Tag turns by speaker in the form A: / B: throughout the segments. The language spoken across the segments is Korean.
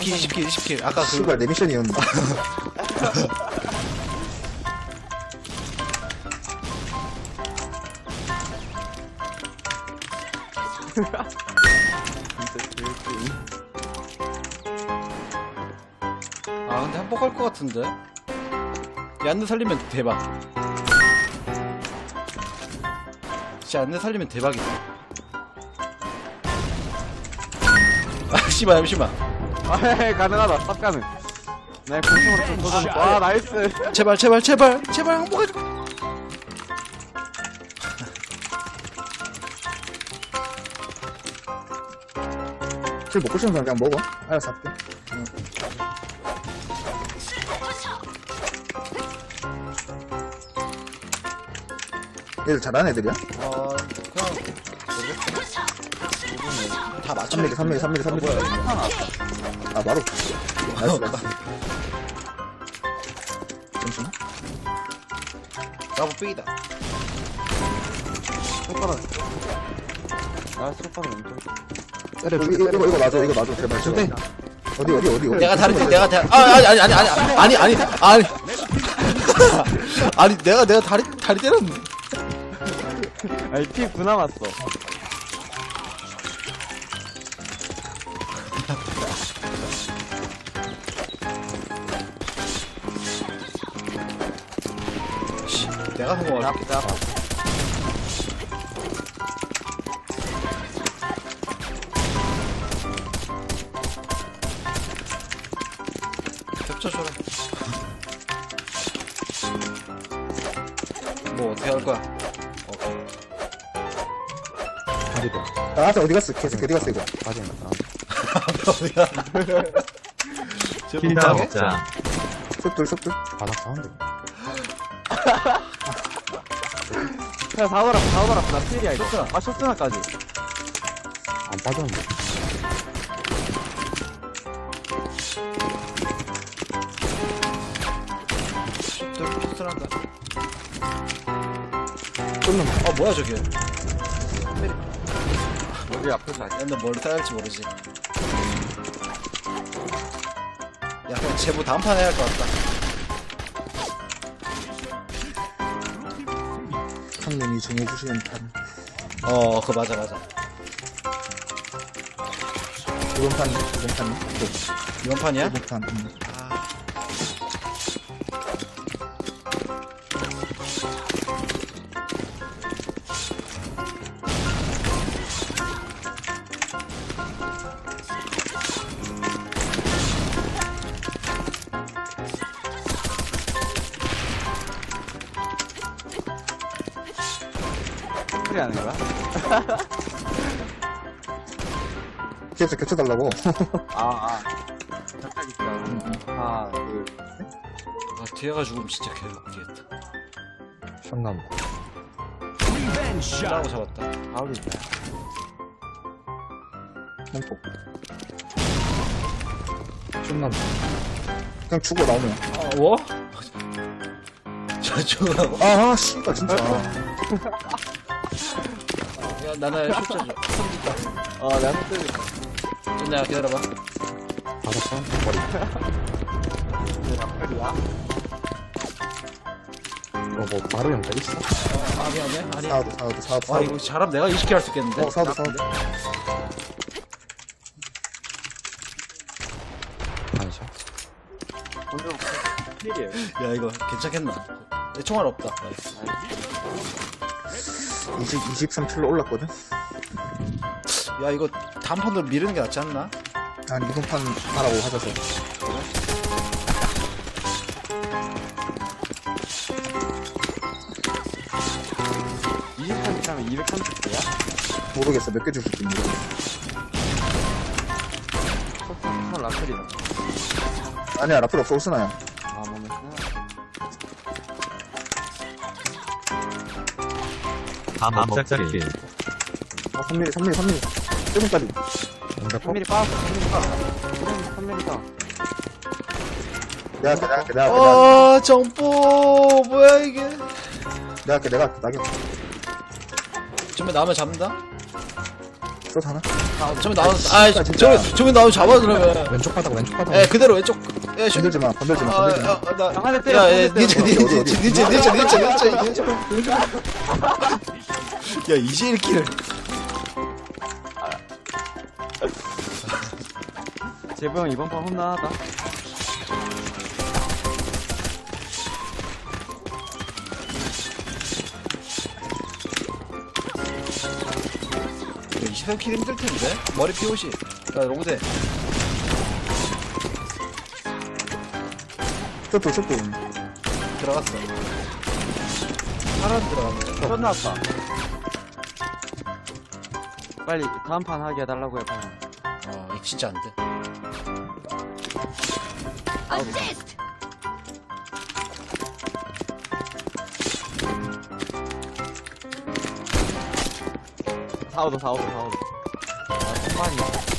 A: 20킬. 아까 그.
B: 씨발 내 미션이었는데.
A: 아, 근데 한복할 것 같은데? 얀느 살리면 대박. 진짜 얀느 살리면 대박이다. 아, 씨발, 잠시만.
C: 아, 가능하다. 쌉 가능. 네, 공중으로 좀 도전. 와, 나이스.
A: 제발, 항복해줘.
B: 술 먹고 싶은 사람 그냥 먹어. 알아서 할게. 얘들 잘하는 애들이야?
A: 그냥, 모르겠어. 다 맞춰.
B: 3mm. 아, 바로. 나이스. 잠시만.
A: 나무 삐이다.
C: 손가락. 아, 손가락 엄청.
B: 이거 놔줘, 제발. 어디.
A: 내가 아니. 아니, 내가 다리 때렸네.
C: 아니, 피 9 남았어.
A: 씨, 내가 성공할 게. 겹쳐줘라. 뭐 어떻게 할 거야?
B: 아, 어디 갔어? 계속 어디 갔어, 이거?
A: 어디야?
D: 킬다 먹자.
B: 쏙들.
D: 바닥 사운드.
C: 야, 사오더라. 나 필이야, 이거. 아, 쇼스나까지.
D: 안 빠졌는데.
A: 슛한다.
B: 끊는.
A: 뭐야 저게?
C: 여기 앞에서 아니야.
A: 근데 뭘 따야 할지 모르지. 야, 그냥 제보 다음 판 해야 할 것 같다.
B: 형님이 정해주시는 판.
A: 그거 맞아.
B: 이번 판이?
A: 이번 판이야?
B: 이번 판.
C: 필이 하는 거야?
B: 계속 겹쳐달라고.
C: 잠깐 있어. 하나, 둘.
A: 뒤에가 죽으면 진짜 개웃기겠다.
D: 션남.
A: 라고 잡았다.
C: 바로 있다.
B: 홈폭.
D: 션남.
B: 그냥 죽어, 나오면.
A: 뭐? 저 죽으라고?
B: 아, 씨발, 진짜.
A: 야, 나는 슛 줘.
C: 내가 손
A: 좀 내가 기다려봐.
D: 바닥 사운드. 머리.
C: 필이야?
D: 뭐 바로 연결 있어?
A: 미안해. 아니.
B: 사우드.
A: 이거 잘하면 내가 20킬 할 수 있겠는데?
B: 사우드.
D: 반샷.
C: 공중 필이에요.
A: 야, 이거 괜찮겠나? 내 총알 없다.
B: 23킬로 올랐거든?
A: 야, 이거 다음 판으로 미루는 게 낫지 않나?
B: 아니, 이번 판 하라고 하셔서.
C: 하면 230개야?
B: 모르겠어, 몇 개 줄지 모르겠어.
C: 손 라플이다.
B: 아니야, 라플 없어, 오스나야.
C: 몸에
D: 다 먹자리 킬.
B: 3mm. 7분까지.
C: 3mm 빠졌어. 3mm 빠.
B: 내가 할게.
A: 정보 뭐야 이게?
B: 내가 할게.
A: 좀만 나오면 잡는다?
B: 또 하나?
A: 저기 나오는, 아, 저기 나오면 잡아, 그러면.
D: 왼쪽 바닥 왼쪽 바닥.
A: 예, 그대로 왼쪽. 야, 슛.
B: 건들지 마, 건들지 마, 건들지 마.
C: 한 대 때려,
A: 야,
C: 한
A: 야,
C: 대 때려.
A: 니체. 야, 이제 1킬.
C: 제부 형 이번 판 혼나하다.
A: 이 23킬 힘들 텐데? 머리 피우시. 야, 로그대.
B: 쇼트.
A: 들어갔어. 사람 들어갔네.
C: 첫 나왔다. 빨리 다음 판 하게 해달라고 해봐.
A: 이거 진짜 안 돼.
E: Assist!
C: 사오도. 아, 손만이.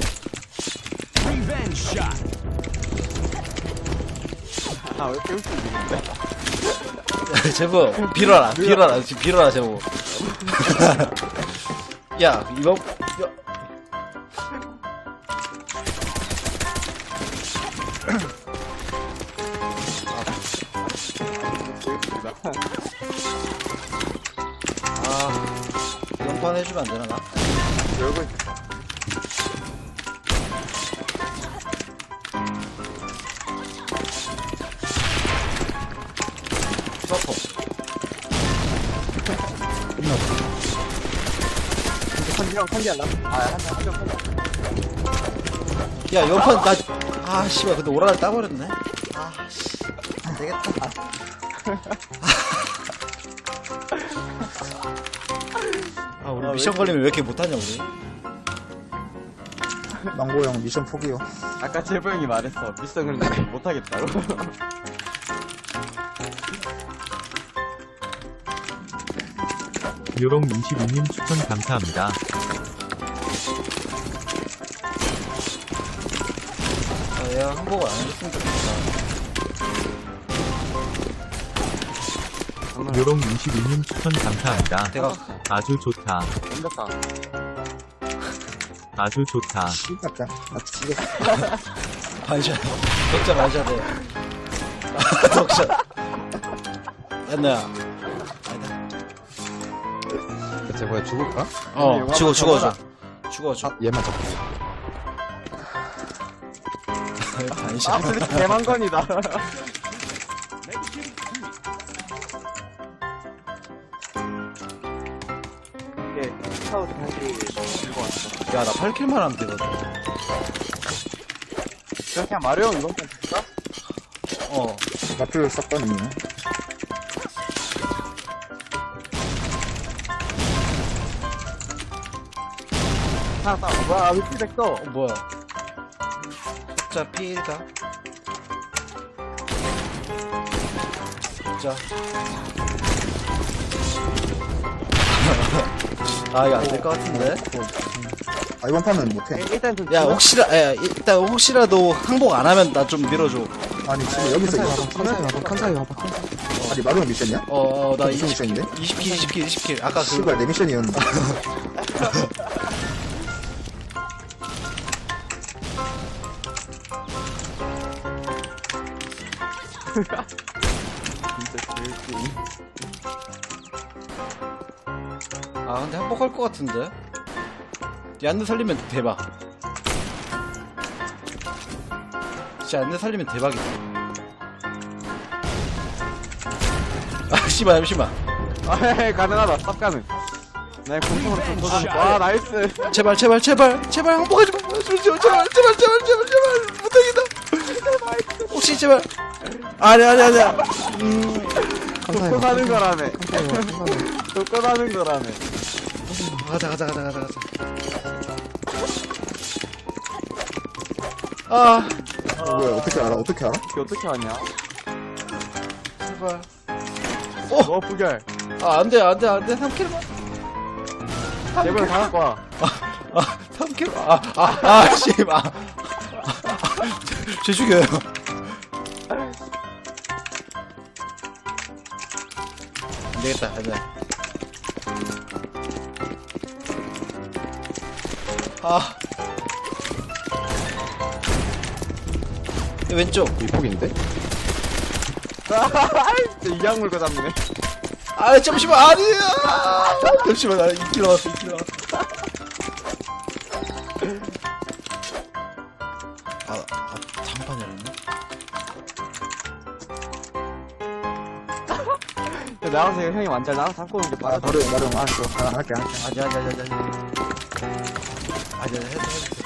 C: 아, 왜 이렇게 웃기지?
A: 제부, 빌어라, 지금 빌어라, 제부. 야, 이거, 야. 이번 판 해주면 안 되나, 나?
C: 얼굴.
A: 서퍼.
C: 컨디 안 나? 한명
A: 야, 이번 판, 씨발, 근데 오라를 따버렸네? 씨. 안 되겠다. 우리 미션 걸리면 왜 이렇게 못하냐, 우리?
B: 망고 형 미션 포기요.
C: 아까 제부 형이 말했어. 미션을 못하겠다고.
F: 요롱 22님 추천 감사합니다.
A: 얘가 항복을 안 해줬으면 좋겠다.
F: 요롱 22님 추천 감사합니다.
A: 대각.
F: 아주 좋다.
C: 힘들다.
F: 아주 좋다.
B: 씨발자. 나 죽여.
A: 반샷. 덕자 반샷해. 덕샷. 안나야. 아니다.
D: 대체 뭐야 죽을까?
A: 죽어줘.
D: 얘만 잡고.
A: 반샷.
C: absolute 대망건이다.
A: 야, 나 8킬만 하면 되거든.
C: 그냥 마리오 형 이번 판 줄까?
B: 나필 싹다니.
C: 하나 와, 위키백 떠.
A: 뭐야. 자, 피해다. 자. 이거 안 될 것 같은데?
B: 이번 판은 못해.
C: 일단 좀.
A: 야, 일단 혹시라도 항복 안 하면 나 좀 밀어줘.
B: 아니, 지금 여기서
D: 칸사이 와봐.
B: 아니, 마루 형 미션이야?
A: 나
B: 무슨 미션인데?
A: 20킬. 아까
B: 씨발, 내 미션이었는데.
A: 근데 항복할 것 같은데? 얀느 살리면 대박. 진짜 얀느 살리면 대박이다. 씨발, 잠시만.
C: 가능하다. 쌉 가능. 내 공통으로 좀 도전. 와, 나이스.
A: 제발 항복하지 마. 제발. 부탁이다. 혹시 제발. 아니야.
C: 돕고 사는 거라며. 돕고 사는 거라며.
A: 가자.
B: 뭐야, 어떻게 알아? 어떻게 알아?
C: 이게 어떻게 하냐?
A: 제발.
C: 부결.
A: 안 돼. 3킬만.
C: 제발 다 갖고 와.
A: 3킬. 씨발. 쟤 죽여요. 안 되겠다. 아. 왼쪽.
D: 위폭인데?
C: 진짜 이악 물고 잡네.
A: 아, 잠시만, 아니야! 잠시만, 나 2킬 나왔어, 2킬 나왔어. 장판이 아니네?
C: 나와서 형이 완전 나와서 잡고 오는 게
B: 아,
C: 빠르다.
B: 마루 알았어. 할게.
A: 아니야. 아니야, 해도.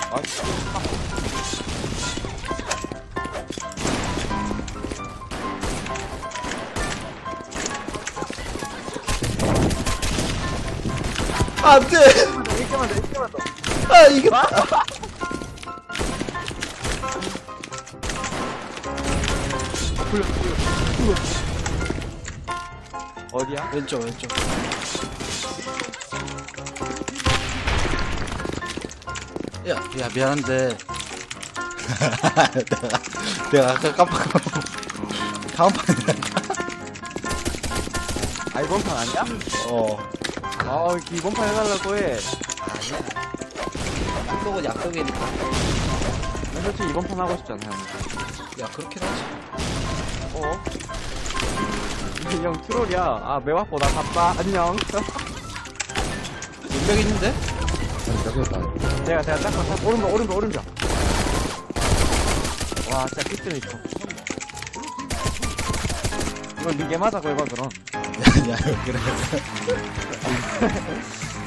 A: 안 돼!
C: 이렇게만 더, 이렇게만 더.
A: 아, 이겼다!
C: 어디야?
A: 왼쪽. 야, 미안한데. 내가 아까 깜빡. 다음 판에.
C: 아, 이번 판 아니야? 아, 이번 판 해달라고 해.
A: 약속은 약속이니까.
C: 난 솔직히 이번 판 하고 싶잖아, 형.
A: 야, 그렇긴 하지.
C: 어? 이 형 트롤이야. 아, 매화보 나 갔다. 안녕.
A: 능력 있는데?
D: 여기다.
C: 제가 딱 오른쪽. 와, 진짜 픽스는 있어. 이건 니게 맞아, 그거 그럼.
A: 야, 그래.